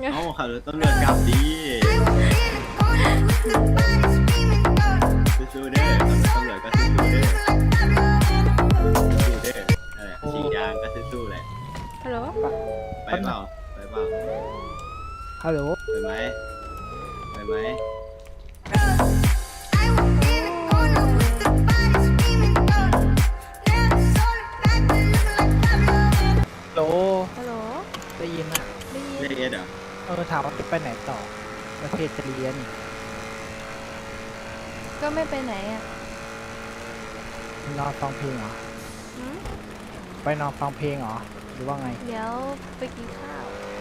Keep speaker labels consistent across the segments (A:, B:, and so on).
A: เอ้าขับรถตำรวจกลับดีสู้ๆเด้อขับรถตำรวจก็สู้ๆเด้อสู้ๆเด้อนั่นแหละฉีดยางก็สู้ๆแหละ
B: ฮัลโหล
A: ไปเปล่าไปเปล่า
C: ฮัลโหล
A: ไปไหมไปไหม
C: โหล
B: ฮัลโหล
C: ได้ยินอ่ะ
B: ได้ยิน
A: เรียกเอสเหรอ
C: ถามว่าจะไปไหนต่อ ประเทศจะเรียน
B: ก็ไม่ไปไหนอ่ะ
C: นอนฟังเพลงเหรอ
B: หืม
C: ไปนอนฟังเพลงเหรอ หรือว่าไง
B: เดี๋ยวไปกินข้าว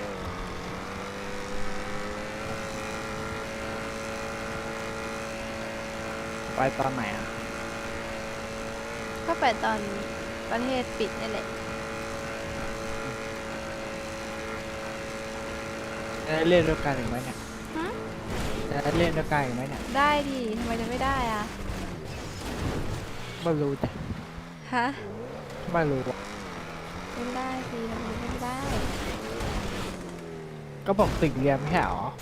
C: ไปตอนไหนอ่ะ
B: ก็ไปตอนประเทศปิดนี่แหละ
C: จะได้เล่นด้วยกันอีกไหมเนี่ย
B: หืม
C: จะได้เล่นด้วยกันอีกไหมเนี่ย
B: ได้ดิทำไมจะไม่ได้อ่ะ
C: ไม่รู้จ้ะ
B: ฮะ
C: ไม่รู้อะ
B: เล่นได้สิทำไมไม่ได้
C: ก็บอกติดเรียนไม่ใช่เหรอ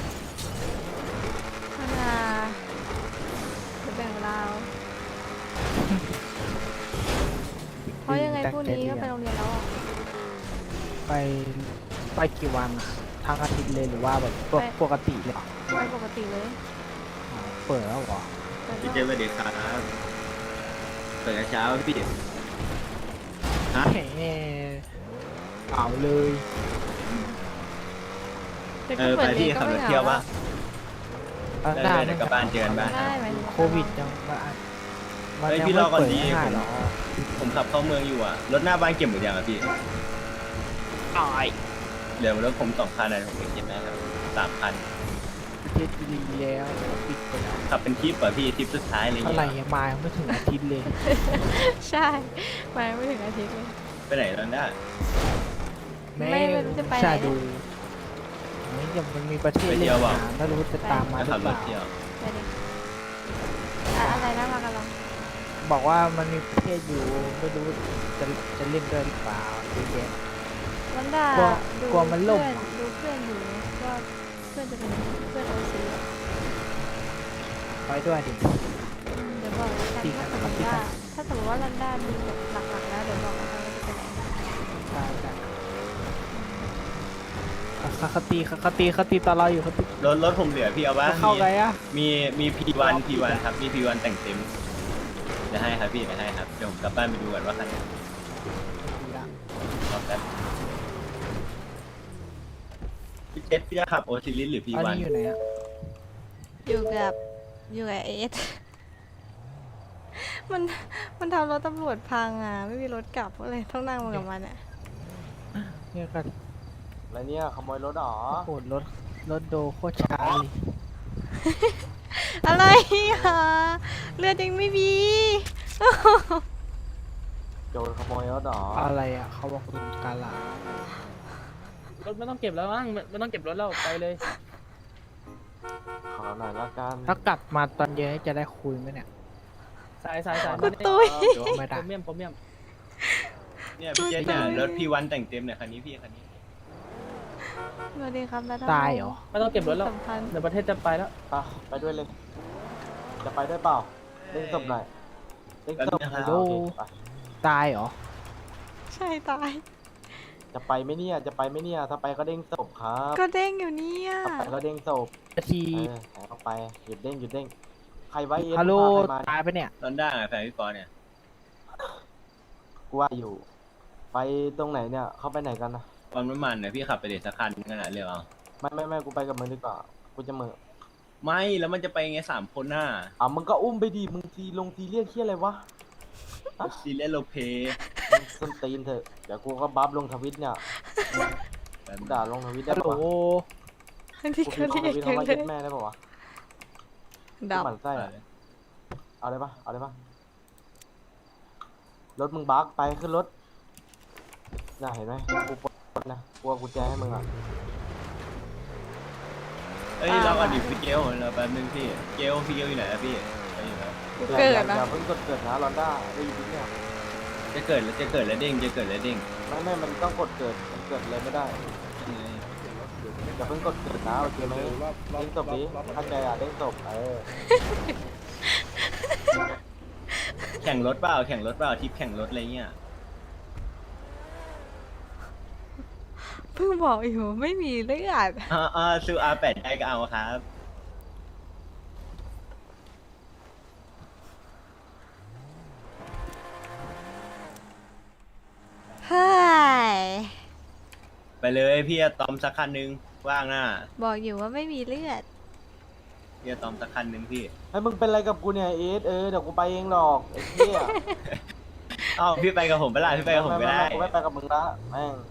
B: ธนาจะแบ่งเราเพราะยังไงพรุ่งนี้ก็ไปโรงเรียนแล้วอ่ะ
C: ไปไปกี่วันอะทั้งอาทิตย์เลยหรือว่าแบบปกติเลยเหรอ
B: ไปปกติเลย
C: อ๋อเปิดแล้วเหรอ
B: แต่
A: พี่
B: ก็
A: เจสวัสดีครับเปิดกระเช้าพี่ฮะ
C: แหมเปล่าเลย
B: แต่ก็เปิดเรียนก็ไม่เหงาแล้ว
C: ตอนห
A: ได้
C: น้า
A: เดี๋ยวกลับบ้านเจอกันบ้าน
B: ได้ไหม
C: โควิดยังมัน
A: เฮ้ย
C: ยัง
A: พี่ร
C: ไม่
A: อก่อน
C: เปิด
A: ดี
C: ง่ายๆหรอ
A: ผมขับเข้าเมืองอยู่อ่ะ รถหน้าบ้านเก็บหมดยังอ่ะพี่
C: ตาย
A: เดี๋ยวรถผม2 คันนะผมเก็บได้ครับ3 คัน
C: ประเทศจีนแล้วปิดไปแล้ว
A: ขับเป็นทริปป่ะพี่ทริปสุดท้ายอะไรอย่าง
C: เท่าไหร่
A: เงี้ย
C: ยังมายังไม่ถึงอาทิตย์เลย
B: ใช่ไปไม่ถึงอาทิตย์เลย
A: ไปไหนแล้วเนี่ย
B: ไม่รู้จะไปไหน
C: ใช่ดูนี่ยังมันมีประเทศเล่นหาไม่รู้จะตามมา
A: ไป
C: หรื
A: ขั
C: อบ เป
A: ร
C: ล่า
A: ถเที่ยว
B: ไปดิอะไรนะมากันลอง
C: บอกว่ามันมีประเทศอยู่ไม่รู้จะจะเล่นด้วยหรือเปล่าดูเย็น
B: วันดาก
C: ลัว
B: ดู
C: กลัวมันล่ม
B: ดูเพื่อนอยู่ก็เพื่อนจะเป็นเพื่อนโอซี
C: ไปด้วยดิ
B: เดี๋ยวบอกแล้วกัน
C: จริง
B: ถ้า
C: นะ
B: สมมติ
C: จริง
B: ว่า
C: นะ
B: ถ้าสมมติว่าลันด้ามีแบบหลักๆแล้วเดี๋ยวบอกแล้วกันว่าจะไปไหน
C: ใช่ใช่คติตอนเราอยู่คติ
A: รถผมเหลือพี่เอาบ้าง
C: เข้าไงอะ
A: มี P1 ครับมี P1 แต่งเต็มจะให้ครับพี่จะให้ครับเดี๋ยวผมกลับบ้านไปดูก่อนว่าคันไหนรอแป๊บพี่เจสพี่จะขับโอซิลิสหรือ
C: อัน
A: P1
C: นี้อยู่ไหนอะ
B: อยู่กับเอส มันมันทำรถตำรวจพังอ่ะไม่มีรถกลับก็เลยต้องนั่งมากับมันอ่ะ
C: เนี่ยกัน
D: อะไรเนี่ยขโมยรถเหรอ
C: โหดรถโดโคตรช้าเลย
B: อะไรอ่ะเลือดยังไม่มี
D: โจรขโมยรถเหรอ
C: อะไรอะเขาบอกคุณกาลาร
E: ถไม่ต้องเก็บแล้วมั้งไม่ต้องเก็บรถแล้วไปเลย
D: ขอหน่อยละกัน
C: ถ้ากลับมาตอนเย็นจะได้คุยไหมเนี่ย
E: สาย
B: คุณตุ้ย
C: ไม่
E: โป
C: ได้
E: รเมียมโปรเมียม
A: เนี่ยพี่เจสเนี่ยรถ P1 แต่งเต็มเนี่ยคันนี้พี่คันนี้
B: สวัสดีครับนัทพงศ์
C: ตายเหรอ
E: ไม่ต้องเก็บรถแล้ว
B: สำคัญ
E: เดี๋ยวประเทศจะไปแล้ว
D: ไปด้วยเลย จะไปด้วยเปล่าเล่นศพหน่อยเล่นศพ
A: แป๊บนึงครับ
D: โอเคไป
C: ตายเหรอ
B: ใช่ตาย
D: จะไปไหมเนี่ย จะไปไหมเนี่ย ถ้าไปก็เด้งศพครับ
B: ก็เด้งอยู่เนี่ย
D: ถ้าไปก็เด้งศพ
C: นาที
D: แหมเอาไป หยุดเด้ง หยุดเด้ง ใครไว้เอ็น
C: ฮัลโหล
D: พาใครมา
C: ตายไปเนี่ย
A: ตอนด้าแฟนพี่ปอเนี่ย
D: กูว่าอยู่ ไปตรงไหนเนี่ย เข้าไปไหนกันนะ
A: ตอนน้ำมันเนี่ยพี่ขับไปเด็ดสักคันขนาดเรียวเอา
D: ไม่กูไปกับมึงดีกว่า กูจะมึง
A: ไม่แล้วมันจะไปไง3 คนน่ะ
D: มึงก็อุ้มไปดิ มึงทีเรียกเที่ยอะไรวะ
A: ซีเรียสโลเพ
D: มึงส้นตีนเถอะ เดี๋ยวกูก็บัฟลงทวิตเนี่ย ด่าลงทวิตได้
C: ฮัลโหล
D: ปะวะ
B: อันนี้
D: กู
B: ก็
D: พิมพ์ล
B: เรี
D: ง
B: ย
D: ท
B: ก
D: วิต
B: จัง
D: คำว่า
B: เล
D: เย็
B: ย
D: ดแม่ได้ปะวะ
B: ดับ
D: หมั่นไส้อะเอาเลยปะเอาเลยปะรถมึงบักไปขึ้นรถน่าเห็นไหมกูปลดรถนะกูเอากุญแจให้มึงอ่ะ
A: เอ้ยเราอดีตพี่เกลเราแป๊บนึงพี่เกลพี่เกลอยู่ไหนอะพี่ไปอยู่แล้ว
B: กูเกิด
D: อย่า
B: นะ
D: อย่าเพิ่งกดเกิดนะลอนด้าได้ยินเนี่ย
A: จะเกิดแล้วเด้งจะเกิดแล้วเด้ง
D: ไม่มันต้องกดเกิดมันเกิดเลยไม่ได้อย่าเพิ่งกดเกิดนะโอเคไหมเด้งศพดิเข้าใจอ่ะเด้งศพ
A: แข่งรถเปล่าทริปแข่งรถอะไรเงี้ย
B: เพิ่งบอกอยู่ไม่มีเลือด
A: ซูR8ได้ก็เอาครับ
B: เฮ้ย
A: ไปเลยพี่อะตอมสักคันนึงว่างน่ะ
B: บอกอยู่ว่าไม่มีเลือด
A: พี่อะตอมสักคันนึงพี่
D: ให้มึงเป็นอะไรกับกูเนี่ยเอสเดี๋ยวกูไปเองหรอกไอ้เหี้ย
A: เอ้าพี่ไปกับผมไปละพี่ไปกับผมก็ได้
D: กูไม่ไปกับมึงละแม่ง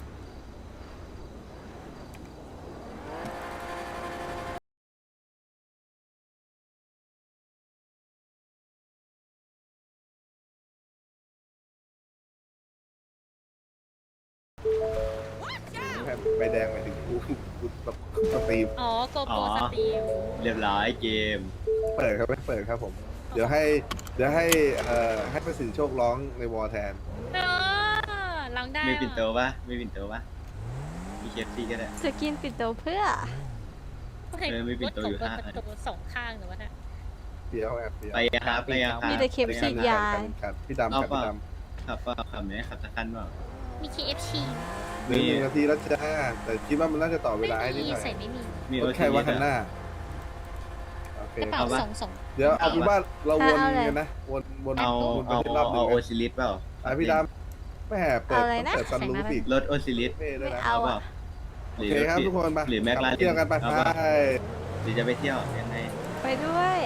F: ใบแดงหมายถึงกูแบบสตรีม
G: อ๋อโกโปรสตรีม
A: เรียบร้อยเกม
F: เปิดครับไม่เปิดครับผม เดี๋ยวให้ให้ประสิทธิโชคร้องในวอลแทน
G: เออร้องได้
A: มีปิ่นโตปะมีปิ่นโตปะมีเคฟซีก็ได้
B: จะกินปิดโตเพื่อ
A: ไม่ปิดตัวอยู่ห้าอัน
G: ตกสองข้างหรือว่าเนี่ย
F: เดี๋ยวแอบเดี๋ยว
A: ไปยังครับไปยังครับ
B: มีแต่เข็มฉีดยา
F: ครับพี่ดำ
A: เอา
F: ครับ
A: เปล่า
F: พี่ด
A: ขับเปล่าขับไหนขับสักคันเปล่า
G: มี KFC
F: ำหนึ่งนาทีแล้วจ้าแต่คิดว่ามันน่าจะต่อเว
G: ไม่
F: ลาให้นิด
G: มี
F: หน่อย
G: ใส่ไม่มี
A: มี
F: รถแค่ว่าคันหน้าโอเค
G: กระเป๋าส่ง
F: เดี๋ยวเอาเป็นว่าเราวน
B: เอาเลย
F: กันนะวน
A: เอา
F: วนไป
A: เอา
F: ที่รอบหนึ่
A: เอา
F: ง
A: โอ
F: นะ
A: ซิลิสเปล่า
F: พี่ดำไม่แห่เปิด
B: เอาอะไรนะ
F: เปิดซันรูฟอีก
A: รถโอซิลิส
F: เท่ด้วยนะ
B: เอา
A: เปล่า
F: โอเคครับทุกคนไป
A: หรือแม็กลาเรน
F: เที่ยวกันไป
A: เอา
F: ไป
A: เปล่า หรือจะไปเที่ยวยังไง
B: ไปด้วย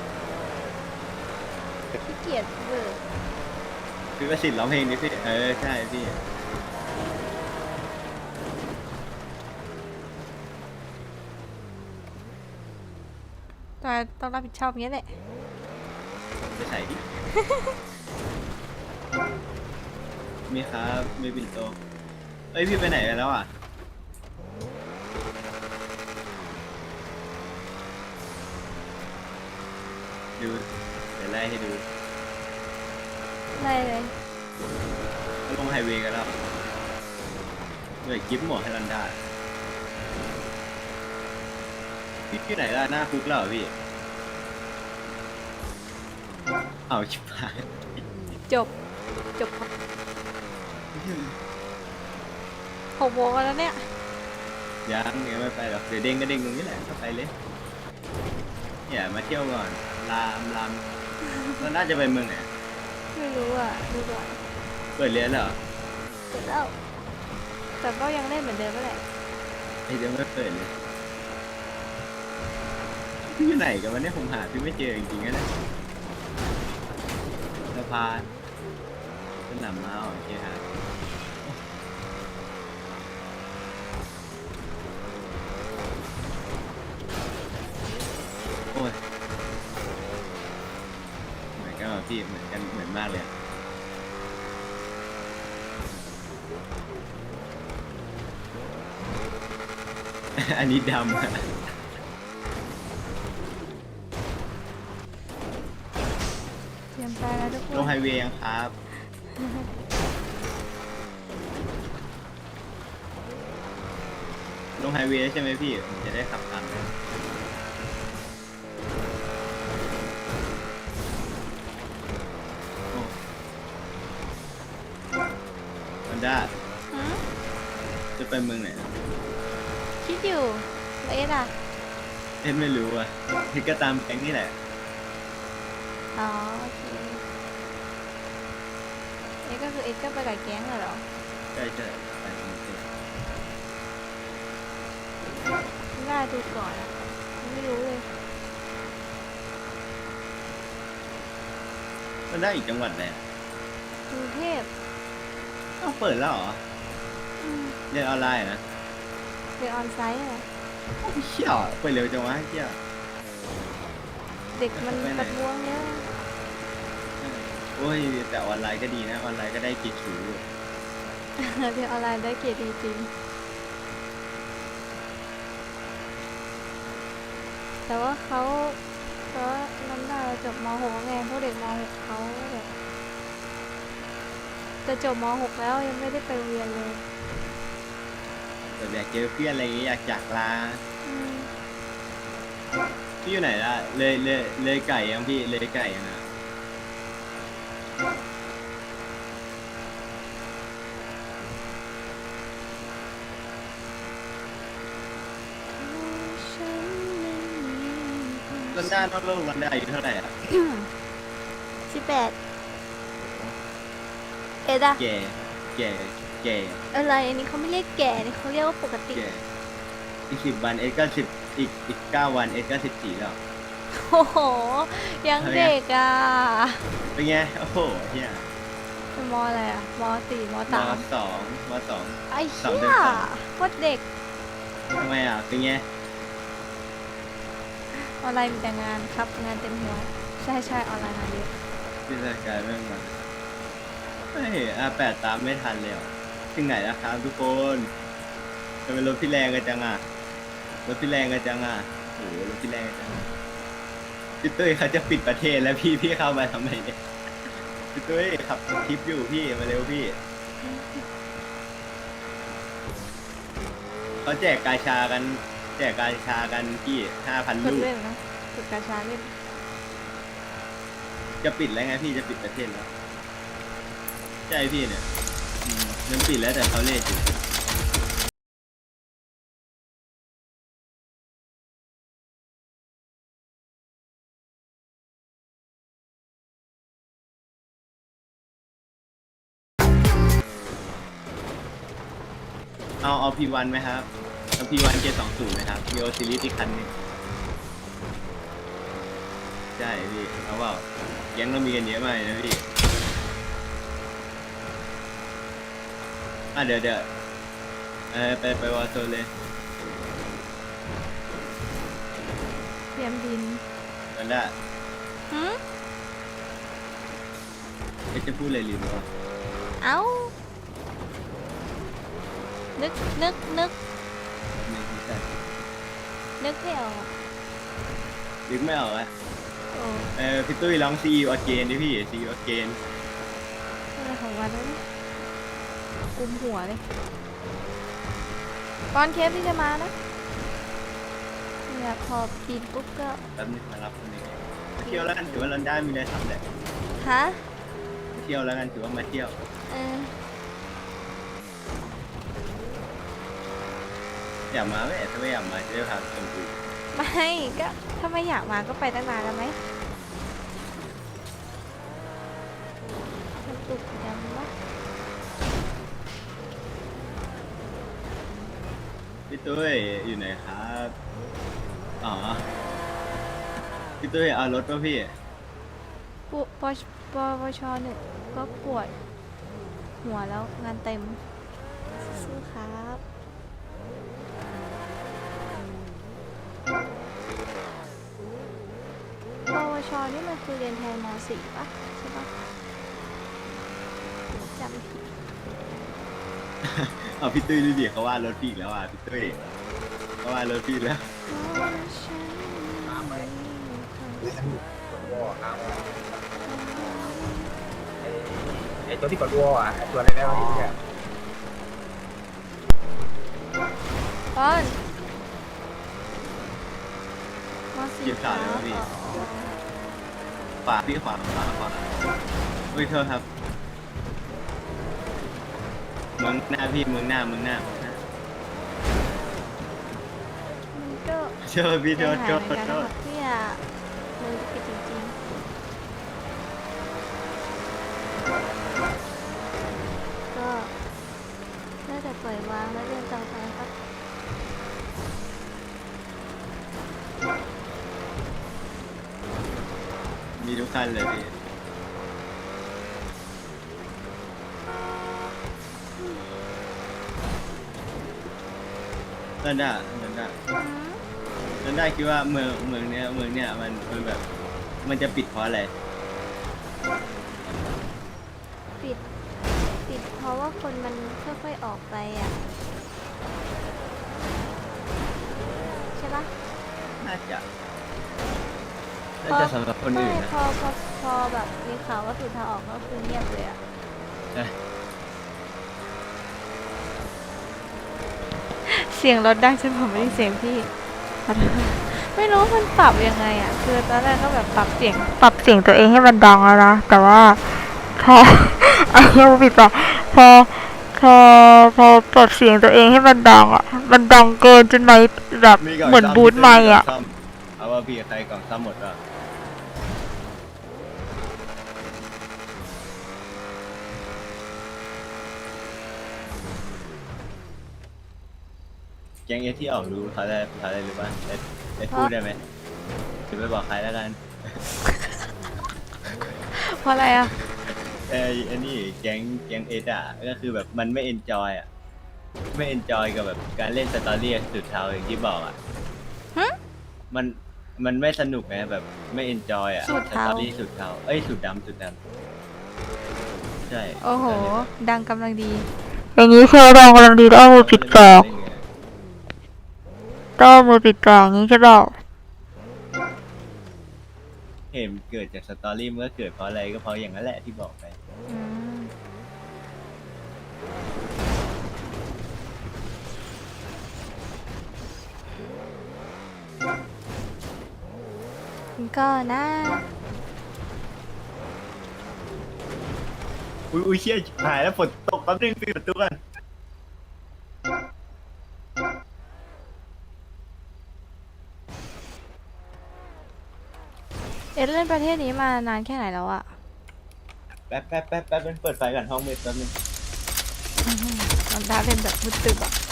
B: ขี้เกียจเบิก
A: พี่ประสิทธิ์ร้องเพลงนี้พี่ใช่พี่
B: ต้องรับผิดชอบอย่างนี้แหละ
A: ไปใส่ดิ มีครับมีปิ่นโตเอ้ยพี่ไปไหนกันแล้วอ่ะดูเดี๋ยวไล่ให้ดู
B: อะไรเลย
A: ลงไฮเวย์กันแล้วเหนื่อยกิฟต์หมวกให้รันดาพี่ที่ไหนล่ะหน้าคุกแล้วเหรอพี่เอาชิบหาย
B: จบ6 โมงแล้วเนี่ย
A: ยังไม่ไปหรอกเดี๋ยวเด้งก็เด้งตรงนี้แหละก็ไปเลยอย่ามาเที่ยวก่อนลามมันน่าจะไปเมืองไหน
B: ไม่รู้อ่ะดูก่อน
A: เปิดเรียนเหรอ
B: เสร็จแล้วแต่ก็ยังเล่นเหมือนเดิมนั่นแหละ
A: ไอ้เดี๋ยวไม่เปิดเลยพี่อยู่ไหนกันวันนี้ผมหาพี่ไม่เจอจริงๆนะสะพานสนามม้าโอเคครับโอ้ยเหมือนกันว่ะพี่เหมือนกันเหมือนมากเลยอะ อันนี้ดำอะ
B: เตรียมไปแล้วทุกค
A: ลง
B: น
A: ไฮเวย์ยังครับ ลงไฮเวย์ใช่ไหมพี่ผมจะได้ขับตามเลยฮอนด้า
B: หืม
A: จะไปเมืองไหน
B: คิดอยู่แล้วเอ็ดอ่ะ
A: เอ็นไม่รู้อ่ะพี่ก็ตามแก๊งนี่แหละ
B: อ๋อโอเคเอ็ดก็คือเอ็ดก็ไปกับแก๊งเหรอ
A: ใช่ใช่ไปตรงนี้
B: ไม่ได้ดูก่อนอะไม่รู้เลย
A: มันได้อีกจังหวัดไหน
B: กรุงเทพ
A: อ้าวเปิดแล้วเหรอ
B: อืม
A: เรียนออนไลน์อะนะ
B: เรียนออนไซต์อะ
A: โอ้ยเชี่ยเปิดเร็วจังวะเชี่ย
B: เด็กมันประท้วงเยอะ
A: โอ้ยแต่ออนไลน์ก็ดีนะออนไลน์ก็ได้กิจฉูอยู่
B: เรียนออนไลน์ได้เกรดดีจริงแต่ว่าเขาน้ำหน้าจบม .6 ไงพวกเด็กม .6 เขาแบบจะจบม .6 แล้วยังไม่ได้ไปโรงเรียนเลย
A: แบบอยากเจอเพื่อนอะไรอย่างเงี้ยอยากจากลา
B: อืม
A: พี่อยู่ไหนล่ะเลยไก่ยังพี่เลยไก่ยังอ่ะ ลอนด้านอกโลกลอนด้าอายุเท่าไหร่อ่ะ
B: 18เอ็ดอะ
A: แก่แก่แก่
B: อะไรอันนี้เขาไม่เรียกแก่นี่เขาเรียกว่าปกติ
A: แก่อีก10 วันเอสก็10อีก9 วันเอสก็14แล้ว
B: โอ้โห ยังเด็กอ่ะ
A: เป็นไงโอ้โหเฮีย
B: เป็นมอะไรอ่ะม4ม
A: ม
B: 3
A: 2
B: ไอ้
A: สอง
B: เหี้
A: เดื
B: ย
A: อนสอง
B: โคตรเด็ก
A: ทำไมอ่ะเป็นไง
B: ออนไลน์มีแต่งานครับงานเต็มหัวใช่ใช่ออนไลน์งานเยอะ
A: พิจารณาเรื่องมาเฮ้ย8ตามไม่ทันเลยอ่ะถึงไหนแล้วครับทุกคนทำไมรถพี่แรงกันจังอ่ะรถพี่แรงกันจังอ่ะโอ้โหรถพี่แรงกันจังอะพี่ตุ้ยเขาจะปิดประเทศแล้วพี่เข้ามาทำไมเนี่ยพี่ตุ้ยขับคลิปอยู่พี่มาเร็วพี่เขาแจกกาชากันพี่5,000
B: กด
A: ลูก
B: เล่นนะกดกาชาเล่น
A: จะปิดแล้วไงพี่จะปิดประเทศแล้วใช่พี่เนี่ยมันปิดแล้วแต่เขาเลทอยู่เอาP1ไหมครับเอาP1 720ไหมครับมีโอซิลิสอีกคันหนึงใช่พี่เอาเปล่าแก๊งเรามีกันเยอะมากเลยนะพี่เดี๋ยวไปวอร์โซนเลย
B: เตรียมดิน
A: กันได้
B: หืม
A: จะพูดอะไรลืมวะ
B: เอ้า นึก
A: ไม่ใช่
B: นึกไม่ออก
A: นึกไม่ออกอะ
B: โอ้
A: พี่ตุ้ยร้อง See You Again ดิพี่ See You Again
B: อะไรของวันนั้นกุมหัวเลยก่อนเคฟที่จะมานะเนี่ยพอปีนปุ๊บก็
A: แป๊บนึงมารับคนนี้มาเที่ยวแล้วกันถือว่าลอนดอนมีอะไรทำแหละ
B: ฮะ
A: มาเที่ยวแล้วกันถือว่ามาเที่ยว
B: เออ
A: อยากมาไหมถ้าไม่อยากมาจะได้พาชมดู
B: ไม่ก็ถ้าไม่อยากมาก็ไปตั้งนานแล้วไหมมันตุกยังวะ
A: พี่ตุ้ยอยู่ไหนครับอ๋อพี่ตุ้ยเอารถป่ะพี่
B: ปชหนึ่งก็ปวดหัวแล้วงานเต็มสู้ๆครับปวชนี่มันคือเรียนแทนม .4 ป่ะใช่ป่ะจำผิด
A: เอาพี่ตุ้ยดูดิเขาว่ารถพี่อีกแล้วอ่ะพี่ตุ้ยเขาว่ารถพี่แล้ว
C: ไอตัวที่กดวอลอ่ะไอตัวอะไรได้วะเนี่ย
B: ป้อนม .4
A: เก็บขาดเลยพี่ขวาพี่ขวาเฮ้ยโทษครับเมืองหน้าพี่เมืองหน้า
B: มันก็
A: โทษพี่โทษ
B: หายเหมือนกันนะครับเนี่ยมือปิดจริงๆก็น่าจะปล่อยวางแล้วเดินต่อไปครับ
A: มีทุกคันเลยพี่นั่นได้คิดว่าเมืองเนี้ยมันแบบมันจะปิดเพราะอะไร
B: ปิดเพราะว่าคนมันค่อยๆออกไปอ่ะใช่ปะ
A: น่าจะสำหรับคนอื่นนะ
B: พอแบบมีข่าวว่าสุดทางออกก็คือเงียบเลยอ่ะ
A: ใช่
B: เสียงรถดังจนผมไม่ได้เสียงพี่ขอโทษไม่รู้มันปรับยังไงอ่ะคือตอนแรกก็แบบปรับเสียงตัวเองให้มันดังแล้วนะแต่ว่าพอ ไอ้เหี้ยผิดไปพอปรับเสียงตัวเองให้มันดังอ่ะมันดังเกินจนไม่แบบ
A: มีกล่อง
B: เหมือน
A: ซ่
B: บูทไม่อ่ะ
A: ซ่มเอาว่าพี่ใครกล่องซ่อมหมดอ่ะแก๊งเอสที่ออกรู้เขาได้หรือเปล่าได้พูดได้ไหมจะไปบอกใครแล้วกัน
B: เพราะอะไรอ่ะ
A: อันนี้แก๊งเอสอ่ะก็คือแบบมันไม่เอนจอยอ่ะไม่เอนจอยกับแบบการเล่นสตอรี่สุดเทาอย่างที่บอกอ่ะ
B: ฮะ
A: มันไม่สนุกไงแบบไม่เอนจอยอ่ะ
B: สุด
A: ส
B: เทา
A: ตอรี่สุดเทาเอ้ยสุดดำใช่
B: โอ้โห ดังกำลังดี
C: อย่างนี้คือเรากำลังดีต้องเอามือปิดจอต้องเอามือปิดจออย่างนี้ใช่เปล่า
A: เห็นเกิดจากสตอรี่มันก็เกิดเพราะอะไรก็เพราะอย่างนั้นแหละที่บอกไป
B: อืมก็นะ
A: อุ้ยเชี่ยหายแล้วฝนตกแป๊บนึงปิดประตูกัน
B: เอ็ดเล่นประเทศนี้มานานแค่ไหนแล้วอะ
A: แป๊บเป็นเปิดไฟกันห้องมืดแป๊บนึง
B: มันดาเป็นแบบมืดตึบอะ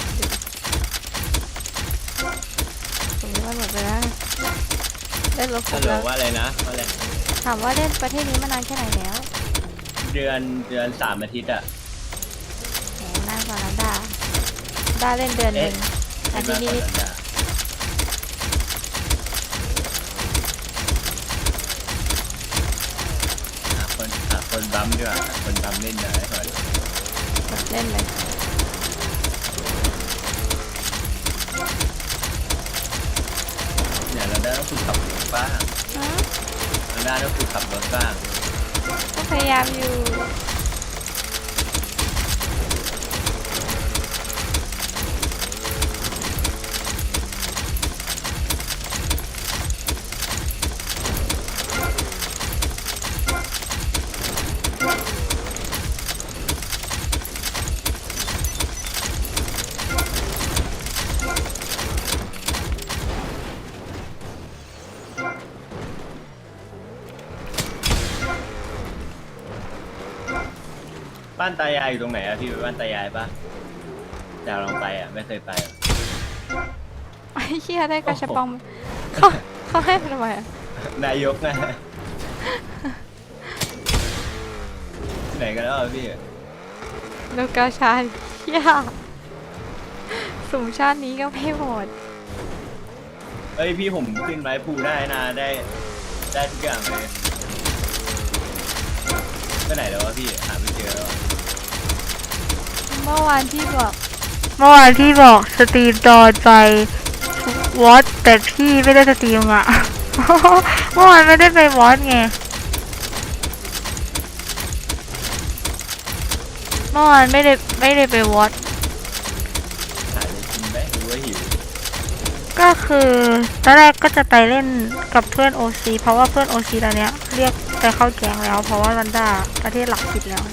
B: ตรงนี้มันหมดไปแล้วเล่นรถคร
A: ฮั
B: บ
A: ลโหล
B: แล้ว
A: ว่าอะไรนะว่าอะไร
B: ถามว่าเล่นประเทศนี้มานานแค่ไหนแล้ว
A: เดือน3 อาทิตย์อ่ะ
B: แหมนานกว่านั้นดาเล่นเดือนหนึ่งอาทิตย์นี้
A: หาคนบัมดีกว่าหาคนบัมเล่นได้ก่อน
B: แบบเล่นเลย
A: เนี่ยเราได้ต้องฝึกขับรถบ้าง
B: ฮะ
A: เราได้ต้องฝึกขับรถบ้าง
B: ก็พยายามอยู่
A: บ้านตายายอยู่ตรงไหนอะพี่ไปบ้านตายายปะจะลองไปอะไม่เคยไปอะ
B: ไอ้เหี้ยได้กระชับปองเขาให้มาทำไมอะ
A: นายกนะไหนกันแล้วอะพี่
B: โลกาชาเหี้ยสุ่มชาตินี้ก็ไม่หมด
A: เอ้ยพี่ผมขึ้นไม้ภูได้นะได้ทุกอย่างเลยไปไหนแล้ววะพี่หาไม่เจอแล้วอะ
B: เมื่อวานที่บอกสตรีมตอนไปวอตแต่พี่ไม่ได้สตรีมอ่ะ เมื่อวานไม่ได้ไปวอตไง เมื่อวานไม่ได้ไปวอต
A: หาอะไรกินไหมหรือว่าหิว
B: ก็คือตอนแรกก็จะไปเล่นกับเพื่อน OC เพราะว่าเพื่อน OC ตอนเนี้ยเรียกไปเข้าแก๊งแล้ว เพราะว่าวันด้าประเทศหลักผิดแล้ว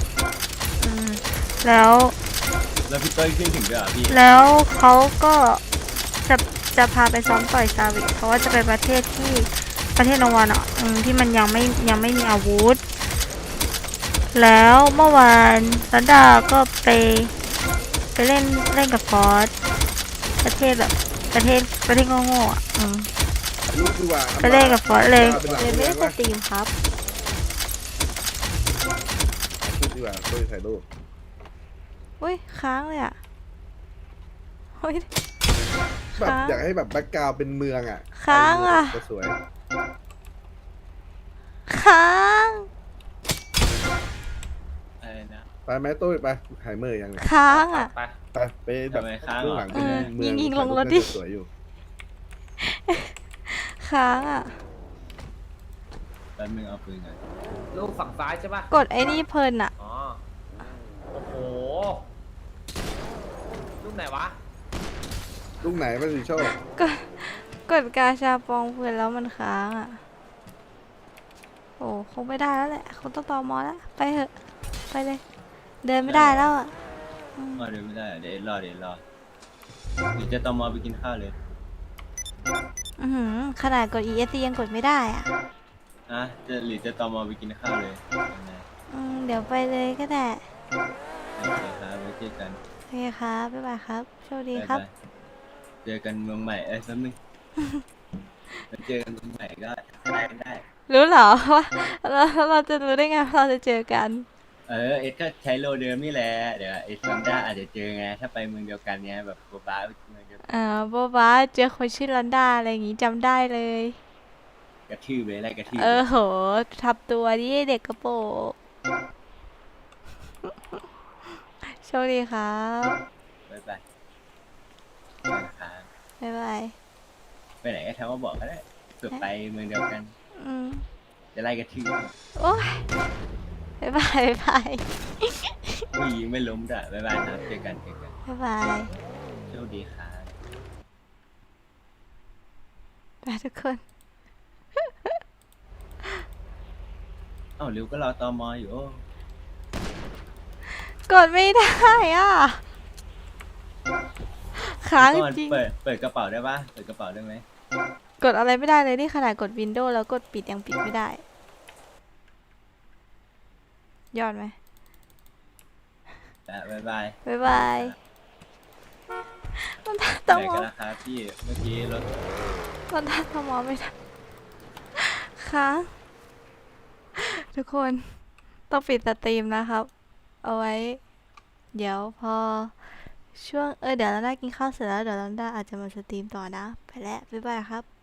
B: แล้ว
A: แล้วพี่เต้ยขึ้นถึงด้วยเหรอพี่
B: แล้วเขาก็จะพาไปซ้อมต่อยซาวิเพราะว่าจะไปประเทศโนวานอ่ะที่มันยังไม่มีอาวุธ แล้วเมื่อวานรันดาก็ไปเล่นกับฟอสประเทศโง่ๆอ่ะ
F: ลูกดีกว่า
B: ไปเล่นกับฟอสเลย
F: เป็นหลัง
B: ไม่ได้
F: เมื
B: ส
F: อง
B: ตรีมครับ
F: ลูกดีกว่าช่วยถ่ายรูป
B: อุ้ยค้างเลยอ่ะอุ้ย
F: แบบ
B: ค้าง
F: อยากให้แบบแบ็กกราวด์เป็นเมืองอ่ะ
B: ค้างอะ
F: จะสวย
B: ค้าง
A: อะไรนะ
F: ไปไหมตุ้ยไปหายเมื่อยยังไง
B: ค้างอ่ะ
D: ไป
F: ไปแบบ
A: ทำไมค้าง
F: เบื้องหลังเป็น
B: เออ
F: เมือง
B: ยิงๆลงรถ
F: ถ่าย
B: ดิ
F: น่าจะสวยอยู่
B: ค้างอ่ะ
A: แป๊บนึงเอาปืนก่อน
D: ลูกฝั่งซ้ายใช่ปะ
B: กดไอ้นี่เพลินอ่ะ
D: อ๋อ โอ้โห ลูกไหนวะ
F: ลูกไหนประสิทธิโชค
B: กดกาชาปองเพื่อนแล้วมันค้างอ่ะ โอ้คงไม่ได้แล้วแหละคงต้องตอมอแล้ว ไปเถอะ ไปเลย เดินไม่ได้แล้วอ่ะอืม
A: เดี๋ยวไม่ได้เดี๋ยวรอเดี๋ยวจะตอมอไปกินข้าวเลย
B: อื้อหือขนาดกด ESC ยังกดไม่ได้อ่ะ
A: หรือจะตอมอไปกินข้าวเลยยังไง
B: เดี๋ยวไปเลยก็ได้
A: โอเคครับไว้เจอกัน
B: โอเคครับ บ๊ายบายครับ โชคดีครับ
A: บ๊ายบายเจอกันเมืองใหม่แป๊บนึง ไปเจอกันเมืองใหม่ก็ได้
B: รู้เหรอว่าเราจะรู้ได้ไงว่าเราจะเจอกัน
A: เอ็ดก็ใช้โลเดิมนี่แหละเดี๋ยวไอ้ซัมด้าอาจจะเจอไงถ้าไปเมืองเดียวกันเนี้ยแบบโบบาไปเมืองเดียวกัน
B: โบบาเจอคนชื่อลันดาอะไรอย่างงี้จำได้เลย
A: กระทืบเลยไล่กระทืบ
B: โหทับตัวดิเด็กกระโปรงโชคดีครับ
A: บ๊ายบายไปครับ
B: บ๊ายบาย
A: ไปไหนก็ทำว่าบอกก็ได้เผื่อไปเมืองเดียวกัน
B: อืม
A: จะไล่กระทืบ
B: โอ้ยบ๊ายบายบ๊ายบาย
A: ผู้หญิงไม่ล้มด้วยบ๊ายบายครับเจอกัน
B: บ๊ายบาย
A: โชคดีครับ
B: ไปทุกคน
A: เอ้าริวก็รอตอมออยู่โอ้
B: กดไม่ได้อ่ะค้าง
A: ก่อน
B: จริง
A: เปิดกระเป๋าได้ปะเปิดกระเป๋าได้ไหม
B: กดอะไรไม่ได้เลยนี่ขนาดกด Windows แล้วกดปิดยังปิดไม่ได้ ยอดไหม
A: บ๊ายบาย
B: บ๊ายบายมัน
A: ไป
B: ต้อง
A: ไหน
B: ม
A: กั
B: อน ง
A: นะครับพี่เมื่อกี้รถ
B: มันต้องมองไม่ได้ค้างทุกคนต้องปิดสตรีมนะครับ เอาไว้ เดี๋ยวพอช่วงเดี๋ยวเราได้กินข้าวเสร็จแล้วเดี๋ยวเราได้อาจจะมาสตรีมต่อนะ ไปแล้ว บ๊ายบายครับ